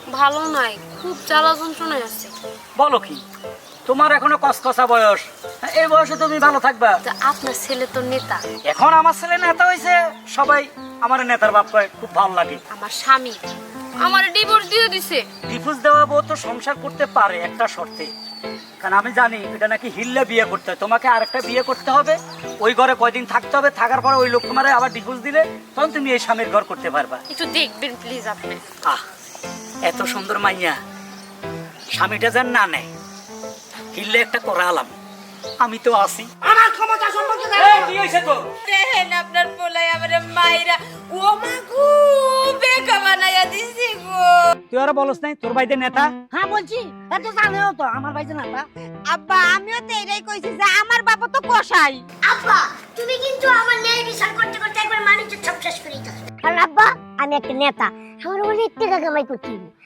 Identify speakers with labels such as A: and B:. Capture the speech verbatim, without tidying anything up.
A: ভালো নাই, খুব জ্বালা যন্ত্রণায় আছে।
B: বলো কি, তোমার এখনো কসকসা বয়স, এই বয়সে তুমি ভালো থাকবা?
A: তা আপনার ছেলে তো নেতা।
B: এখন আমার ছেলে নেতা হয়েছে, সবাই আমার নেতার বাপ কয়, খুব ভালো লাগে।
A: আমার স্বামী আমার ডিভোর্স দিয়ে দিছে।
B: ডিভোর্স দেওয়া বউ তো সংসার করতে পারে একটা শর্তে, কারণ আমি জানি এটা নাকি হিল্লে বিয়ে করতে হয়, তোমাকে আরেকটা বিয়ে করতে হবে, ওই ঘরে কয়দিন থাকতে হবে, থাকার পরে ওই লোক তোমার আবার ডিভোর্স দিলে তখন তুমি এই স্বামীর ঘর করতে পারবা।
A: একটু দেখবেন প্লিজ আপনি।
B: আহ, এত সুন্দর মাইয়া, স্বামীটা যেন না নেয়, হিল্লে একটা করালাম, আমি তো আছি।
C: আমার ক্ষমতা সম্পর্কে
B: এই, কি হয়েছে তোর?
D: দেখেন আপনার পোলাই আমারে মাইরা ও মা গো বেকা বানাইয়া দিছি গো।
B: তুই আর বলস নাই তোর ভাইদের নেতা?
C: হ্যাঁ বলছি, এত জানেও তো আমার ভাই জানা তা।
D: আব্বা আমিও তো এটাই কইছি যে আমার বাবা তো কসাই।
E: আব্বা তুমি কিন্তু আমার ন্যায় বিচার করতে করতে একবার মানুষের সব শেষ করে দিতে।
F: কারণ আব্বা আমি একটা নেতা, আমার অনেক টাকা কামাই করছি।